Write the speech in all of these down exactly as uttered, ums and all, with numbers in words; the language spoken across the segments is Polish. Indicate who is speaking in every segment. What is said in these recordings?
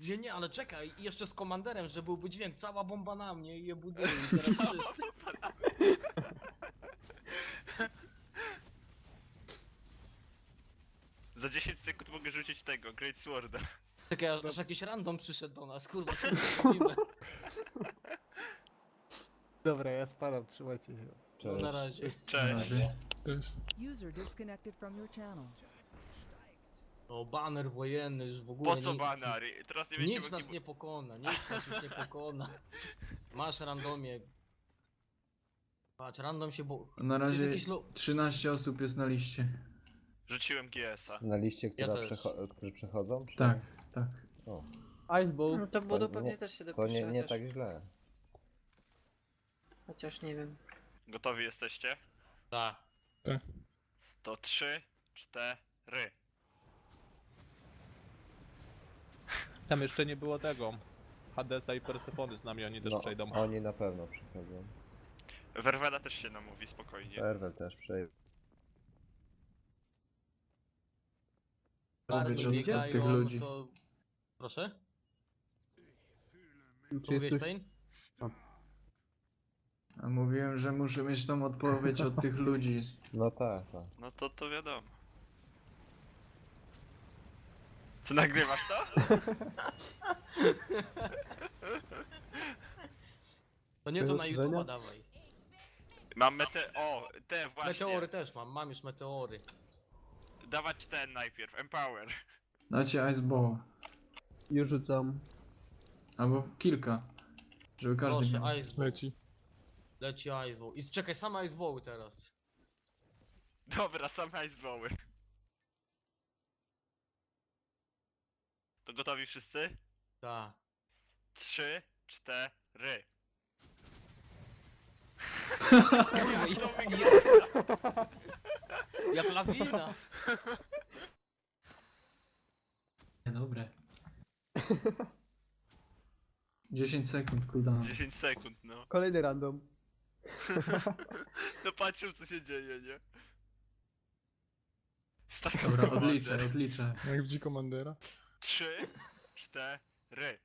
Speaker 1: Nie, nie, ale czekaj, i jeszcze z komanderem, że byłby dźwięk, cała bomba na mnie i je buduje i teraz wszyscy.
Speaker 2: Za dziesięć sekund mogę rzucić tego, Great Sworda.
Speaker 1: Czekaj, aż, aż jakiś random przyszedł do nas, kurwa, co my robimy?
Speaker 3: Dobra, ja spadam, trzymajcie się.
Speaker 1: No, na razie.
Speaker 4: Na
Speaker 2: Cześć.
Speaker 4: razie.
Speaker 5: User disconnected from your channel.
Speaker 1: O, baner wojenny już w ogóle.
Speaker 2: Po co
Speaker 1: nie-
Speaker 2: banary? Teraz nie będziemy
Speaker 1: Nic nas
Speaker 2: mogli...
Speaker 1: nie pokona, nic nas już nie pokona. Masz randomie. Patrz, random się bo...
Speaker 4: Na
Speaker 1: To jest
Speaker 4: razie
Speaker 1: jakiś lo...
Speaker 4: trzynaście osób jest na liście.
Speaker 2: Rzuciłem G S a.
Speaker 6: Na liście,
Speaker 1: Ja
Speaker 6: która
Speaker 1: też.
Speaker 6: przecho którzy przechodzą? Czy...
Speaker 4: Tak, tak.
Speaker 6: O,
Speaker 3: Iceball.
Speaker 7: No to budu
Speaker 6: nie-
Speaker 7: pewnie też się
Speaker 6: to
Speaker 7: dopisze,
Speaker 6: nie, nie
Speaker 7: chociaż,
Speaker 6: tak źle.
Speaker 7: chociaż nie wiem.
Speaker 2: Gotowi jesteście?
Speaker 1: Tak.
Speaker 2: To trzy, cztery.
Speaker 8: Tam jeszcze nie było tego. Hadesa i Persefony z nami, oni też
Speaker 6: No,
Speaker 8: przejdą.
Speaker 6: oni na pewno przychodzą.
Speaker 2: Werwela też się namówi, spokojnie.
Speaker 6: Erwel też przejdzie.
Speaker 4: Mówić
Speaker 1: Bardzo
Speaker 4: od, od
Speaker 1: biegają,
Speaker 4: tych ludzi.
Speaker 1: to... Proszę?
Speaker 3: Czy
Speaker 1: Co mówisz,
Speaker 3: jesteś...
Speaker 1: Pain?
Speaker 4: A mówiłem, że muszę mieć tą odpowiedź od tych ludzi.
Speaker 6: No tak, tak.
Speaker 2: No to to wiadomo. Co, nagrywasz to?
Speaker 1: To nie to na
Speaker 3: Żenia?
Speaker 1: YouTube'a dawaj.
Speaker 2: Mam mete... O, te właśnie.
Speaker 1: Meteory też mam, mam już meteory.
Speaker 2: Dawać ten najpierw, Empower.
Speaker 4: Dacie Iceball.
Speaker 3: Już rzucam.
Speaker 4: Albo kilka. Żeby każdy miał.
Speaker 1: Proszę, Iceball.
Speaker 8: Leci.
Speaker 1: Leci Iceball. I czekaj, same Icebalły teraz.
Speaker 2: Dobra, same Icebalły. To gotowi wszyscy?
Speaker 1: Tak.
Speaker 2: Trzy, cztery.
Speaker 1: Kurwa, ja, jak lawina.
Speaker 4: Dobre. dziesięć sekund cooldown.
Speaker 2: dziesięć sekund, no.
Speaker 3: Kolejny random.
Speaker 2: No patrzę co się dzieje, nie? Staka
Speaker 4: Dobra, odliczę, odliczę.
Speaker 8: Jak widzi komandera?
Speaker 2: Trzy, cztery.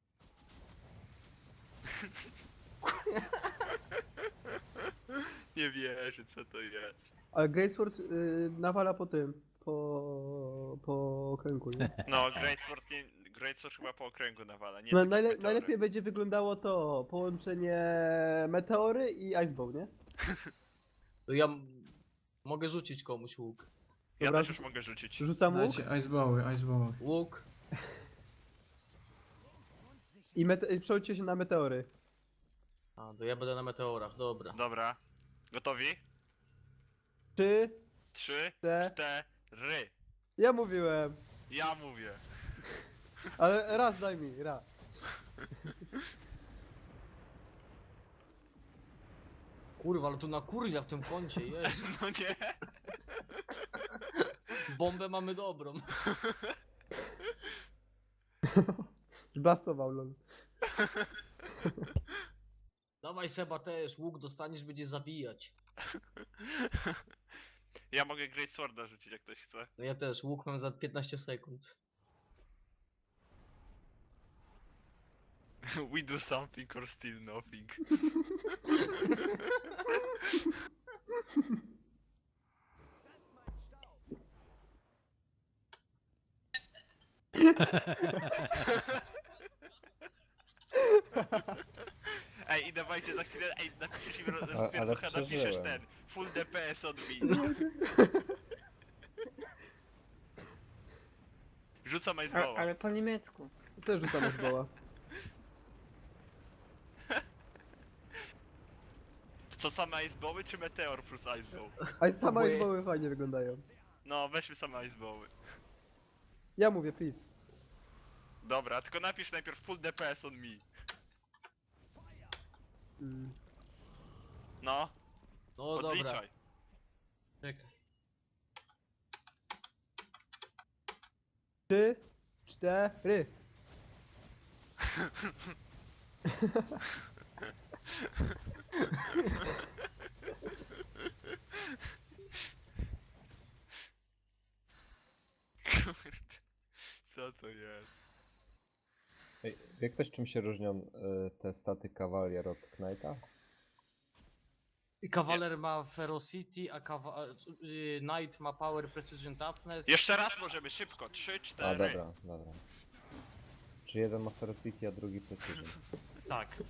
Speaker 2: Nie wierzę, co to jest.
Speaker 3: Ale Greatsword y, nawala po tym. Po... po okręgu, nie?
Speaker 2: No, Greatsword, nie, Greatsword chyba po okręgu nawala, nie
Speaker 3: No,
Speaker 2: tak jak
Speaker 3: najle
Speaker 2: meteory.
Speaker 3: najlepiej będzie wyglądało to połączenie meteory i Iceball, nie?
Speaker 1: To ja m- mogę rzucić komuś łuk.
Speaker 2: Ja
Speaker 3: Dobra,
Speaker 2: też już mogę rzucić.
Speaker 3: Rzucam łuk
Speaker 4: Dajcie Icebały, Icebały.
Speaker 1: Łuk.
Speaker 3: i, mete i przełóżcie się na meteory.
Speaker 1: A, to ja będę na meteorach, dobra.
Speaker 2: Dobra. Gotowi?
Speaker 3: Trzy,
Speaker 2: Trzy,
Speaker 3: Te-
Speaker 2: cztery.
Speaker 3: ja mówiłem.
Speaker 2: Ja mówię.
Speaker 3: Ale raz daj mi, raz.
Speaker 1: Kurwa, ale tu na kurwia w tym kącie, jezu.
Speaker 2: No nie?
Speaker 1: Bombę mamy dobrą.
Speaker 3: Blastował lol.
Speaker 1: Dawaj Seba też, łuk dostaniesz, będzie zabijać.
Speaker 2: Ja mogę Great Sworda rzucić jak ktoś chce.
Speaker 1: No ja też, łuk mam za piętnaście sekund.
Speaker 2: We do something or still nothing. Ej, i dawajcie za chwilę, ej, napiszesz im roz-
Speaker 6: ale
Speaker 2: pierducha, napiszesz
Speaker 6: przeżyłem.
Speaker 2: ten, full D P S od me. Rzucam
Speaker 7: A,
Speaker 2: Iceballa.
Speaker 7: ale po niemiecku.
Speaker 3: Też rzucam Iceballa.
Speaker 2: Co, same Icebały czy Meteor plus Iceball?
Speaker 3: A i same
Speaker 1: Oboje.
Speaker 3: Icebały fajnie wyglądają.
Speaker 2: No, weźmy same Icebały.
Speaker 3: Ja mówię, please.
Speaker 2: Dobra, tylko napisz najpierw full D P S on me.
Speaker 3: Mm.
Speaker 2: No,
Speaker 1: No dobra,
Speaker 2: odliczaj.
Speaker 1: czekaj.
Speaker 3: Trzy, cztery.
Speaker 2: Kurde, co to jest?
Speaker 6: Wie ktoś czym się różnią y, te staty Cavalier od Knighta?
Speaker 1: I Kawaler ma Ferocity, a kawa y, Knight ma Power, Precision, Toughness.
Speaker 2: Jeszcze raz możemy, szybko. Trzy,
Speaker 6: A
Speaker 2: cztery.
Speaker 6: dobra, dobra. Czy jeden ma Ferocity, a drugi Precision?
Speaker 1: Tak.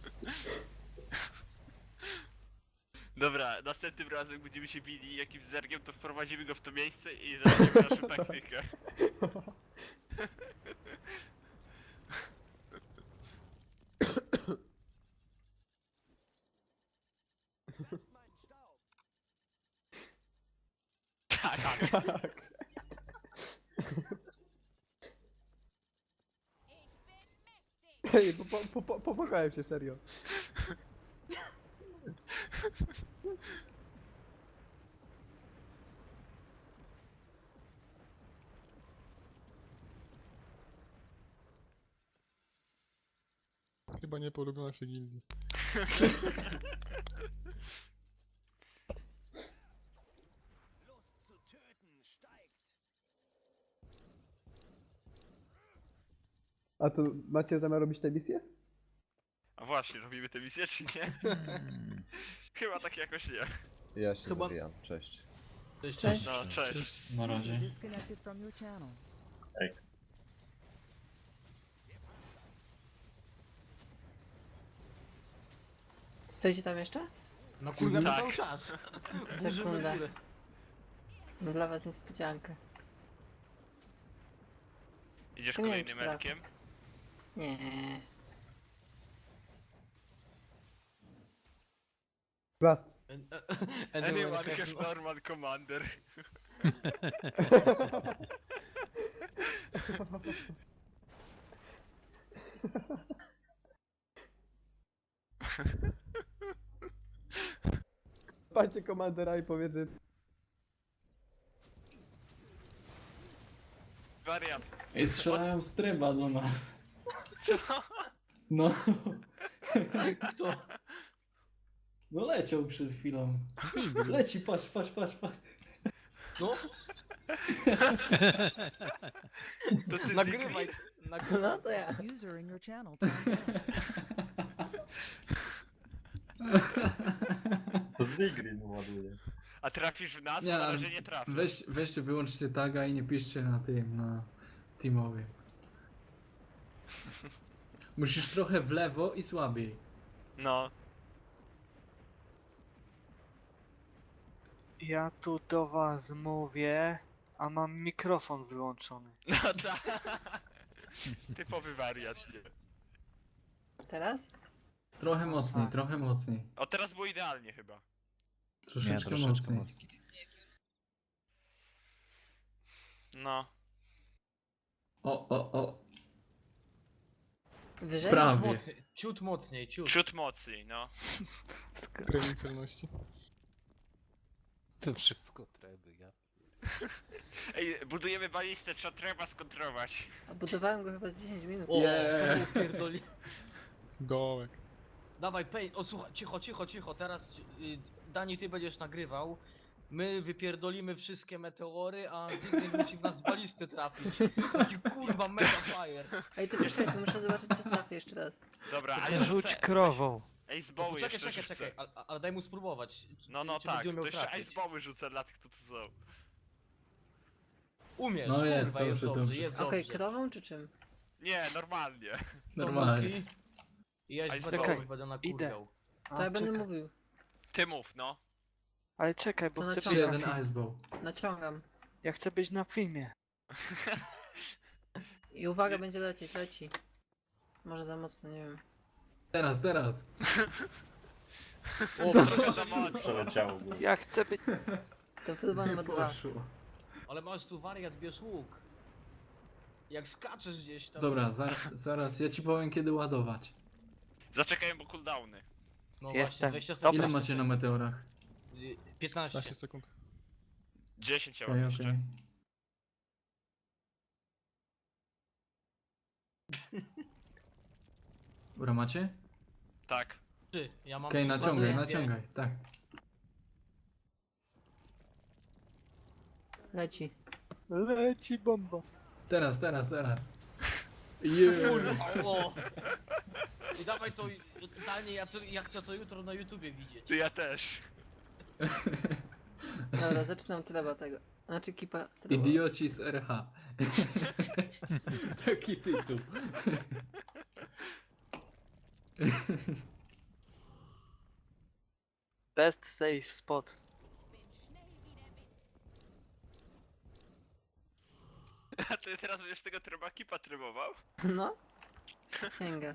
Speaker 2: Dobra, następnym razem jak będziemy się bili jakimś zergiem, to wprowadzimy go w to miejsce i zobaczymy naszą taktykę. Tak.
Speaker 3: Ej, po, po, po, popłakałem się, serio.
Speaker 7: Chyba nie polubią naszej gildii.
Speaker 3: A to macie zamiar robić tę misję?
Speaker 2: A właśnie, robimy tę misję czy nie? Chyba tak jakoś nie.
Speaker 6: Ja się
Speaker 1: Chyba-
Speaker 6: zabijam, cześć.
Speaker 1: Cześć, cześć.
Speaker 2: No, cześć.
Speaker 4: Na
Speaker 5: User
Speaker 4: razie.
Speaker 5: disconnected from your channel.
Speaker 9: Stoicie tam jeszcze?
Speaker 1: No kurde,
Speaker 2: Tak.
Speaker 1: cały czas. Burzymy
Speaker 9: Sekunda.
Speaker 1: górę.
Speaker 9: No dla was niespodziankę.
Speaker 2: Idziesz
Speaker 9: Nie wiem,
Speaker 2: kolejnym
Speaker 9: czy
Speaker 2: elkiem?
Speaker 9: Nie.
Speaker 3: Blast.
Speaker 2: Anyone
Speaker 1: have
Speaker 2: have
Speaker 1: no-
Speaker 2: normal commander.
Speaker 3: Patrzcie komandera i powiedz, że...
Speaker 2: Wariant.
Speaker 4: Ej, strzelają z tryba do nas.
Speaker 2: Co?
Speaker 4: No,
Speaker 1: Kto?
Speaker 4: no leciał przez chwilę. Leci, patrz, patrz, patrz, patrz.
Speaker 1: No,
Speaker 2: To ty
Speaker 1: nagrywaj.
Speaker 9: No
Speaker 1: Nagrywaj.
Speaker 9: to ja.
Speaker 5: User in your channel timed out.
Speaker 10: To Zigrin ładuje.
Speaker 2: A trafisz w nas?
Speaker 4: Nie,
Speaker 2: Bo na
Speaker 4: ale
Speaker 2: razie nie trafisz.
Speaker 4: Weź, weźcie, wyłączcie taga i nie piszcie na tym, na teamowie. Musisz trochę w lewo i słabiej.
Speaker 2: No.
Speaker 11: Ja tu do was mówię, a mam mikrofon wyłączony.
Speaker 2: No tak. Typowy wariant, nie?
Speaker 9: Teraz?
Speaker 4: Trochę mocniej, trochę mocniej.
Speaker 2: O, teraz było idealnie chyba.
Speaker 4: Troszeczkę, mocniej.
Speaker 2: No.
Speaker 4: O, o, o.
Speaker 9: Wyżej?
Speaker 4: Prawie.
Speaker 1: Ciut mocniej, ciut mocniej, ciut.
Speaker 2: Ciut mocniej, no.
Speaker 7: Premium celności.
Speaker 8: To wszystko treby, ja.
Speaker 2: Ej, budujemy balistę, trzeba trzeba skontrować.
Speaker 9: A budowałem go chyba z dziesięć minut.
Speaker 1: O,
Speaker 4: Yeah.
Speaker 1: to było pierdoli.
Speaker 7: Dołek.
Speaker 1: Dawaj, pej, o słuchaj, cicho, cicho, cicho, teraz y, Dani, ty będziesz nagrywał. My wypierdolimy wszystkie meteory, a Ziggy musi w nas z balisty trafić. Taki kurwa mega fire.
Speaker 9: Ej, to czekaj, to muszę zobaczyć, czy trafię jeszcze raz.
Speaker 2: Dobra, a ja
Speaker 11: Rzuć
Speaker 2: rzucę-
Speaker 11: krową.
Speaker 2: Ej, z boły
Speaker 1: Czekaj,
Speaker 2: jeszcze
Speaker 1: czekaj,
Speaker 2: rzucę.
Speaker 1: czekaj, ale, ale daj mu spróbować. Czy,
Speaker 2: No, no
Speaker 1: czy
Speaker 2: tak,
Speaker 1: będzie
Speaker 2: to
Speaker 1: umiał
Speaker 2: jeszcze
Speaker 1: trafić.
Speaker 2: z boły rzucę dla tych, co tu są.
Speaker 1: Umiesz,
Speaker 4: No
Speaker 1: kurwa,
Speaker 4: jest,
Speaker 1: jest,
Speaker 4: dobrze,
Speaker 1: dobrze,
Speaker 4: dobrze.
Speaker 1: jest
Speaker 9: Okej,
Speaker 1: dobrze.
Speaker 9: krową czy czym?
Speaker 2: Nie, normalnie.
Speaker 4: Normalnie.
Speaker 1: Tomuki. I ja
Speaker 2: Aj,
Speaker 1: z
Speaker 2: czekaj,
Speaker 1: meteorów będę
Speaker 11: idę.
Speaker 1: nakurwiał.
Speaker 9: To
Speaker 11: A,
Speaker 9: ja będę
Speaker 11: czekaj.
Speaker 9: mówił.
Speaker 2: Ty mów, no.
Speaker 11: Ale czekaj, bo
Speaker 9: To
Speaker 11: chcę
Speaker 9: na
Speaker 11: być na
Speaker 4: Jeden
Speaker 11: filmie.
Speaker 4: icebow.
Speaker 9: Naciągam.
Speaker 11: Ja chcę być na filmie.
Speaker 9: I uwaga, będzie lecieć, leci. Może za mocno, nie wiem.
Speaker 4: Teraz, teraz.
Speaker 1: O,
Speaker 2: Trochę za mocno.
Speaker 10: Przeleciało go.
Speaker 11: Ja chcę być...
Speaker 9: To chyba
Speaker 4: Nie
Speaker 9: ma dwa.
Speaker 4: poszło.
Speaker 1: ale masz tu wariat, bierz łuk. Jak skaczesz gdzieś tam.
Speaker 4: Dobra, za, zaraz, ja ci powiem kiedy ładować.
Speaker 2: Zaczekajmy, bo cooldowny.
Speaker 1: No
Speaker 11: Jestem.
Speaker 1: właśnie, dwadzieścia
Speaker 11: Dobra.
Speaker 4: Ile
Speaker 1: sekund.
Speaker 4: macie na meteorach?
Speaker 1: Y, piętnaście.
Speaker 7: piętnaście sekund.
Speaker 2: dziesięć ja
Speaker 4: Okej,
Speaker 2: mam
Speaker 4: okej.
Speaker 2: jeszcze.
Speaker 4: Dobra, macie?
Speaker 2: Tak.
Speaker 1: Trzy. Ja mam
Speaker 4: Okej,
Speaker 1: trzy,
Speaker 4: naciągaj,
Speaker 1: dwie.
Speaker 4: naciągaj, tak.
Speaker 9: Leci.
Speaker 11: Leci bomba.
Speaker 4: Teraz, teraz, teraz. Yeah.
Speaker 1: Kurwa, o. I dawaj to, Danie, ja, to, ja chcę to jutro na YouTubie widzieć.
Speaker 2: To ja też.
Speaker 9: Dobra, zaczynam treba tego. Znaczy kipa treba.
Speaker 4: Idioci z R H. Taki tytuł.
Speaker 11: Best safe spot.
Speaker 2: A ty teraz będziesz tego treba kipa trybował?
Speaker 9: No. Sięga.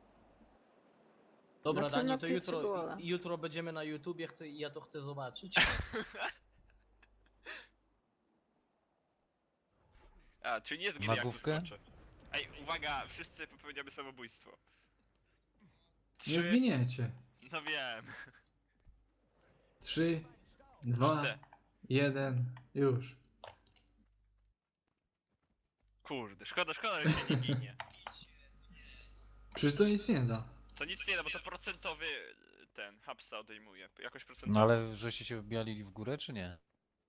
Speaker 1: Dobra,
Speaker 9: Znaczy,
Speaker 1: Danie,
Speaker 9: na
Speaker 1: to
Speaker 9: pierwszy
Speaker 1: jutro,
Speaker 9: gola.
Speaker 1: jutro będziemy na YouTubie, chcę, ja to chcę zobaczyć.
Speaker 2: A, czyli nie zginie jak
Speaker 12: Nagłówkę?
Speaker 2: wyskoczę. Ej, uwaga, wszyscy popełniamy samobójstwo.
Speaker 4: Nie
Speaker 2: Trzy,
Speaker 4: zginiecie.
Speaker 2: no wiem.
Speaker 4: Trzy, dwa,
Speaker 2: Cztery.
Speaker 4: jeden, już.
Speaker 2: Kurde, szkoda, szkoda, że się nie ginie.
Speaker 4: Przecież to nic nie da.
Speaker 2: To nic nie da, bo to procentowy ten, hapsa odejmuje. Jakoś
Speaker 12: No
Speaker 2: procentowy.
Speaker 12: ale żeście się wbijali w górę, czy nie?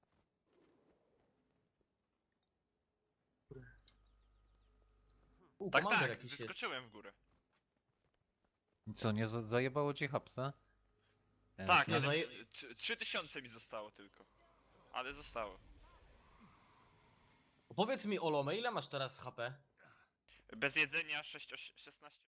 Speaker 1: U,
Speaker 2: Tak,
Speaker 1: komander
Speaker 2: tak,
Speaker 1: jakiś jest.
Speaker 2: wyskoczyłem w górę.
Speaker 12: I co, nie za- zajebało ci hapsa? E,
Speaker 2: Tak,
Speaker 1: nie,
Speaker 2: ale
Speaker 1: zaje-
Speaker 2: tr- trzy tysiące mi zostało tylko. Ale zostało.
Speaker 1: Powiedz mi, Olome, ile masz teraz H P?
Speaker 2: Bez jedzenia sześć, szesnaście.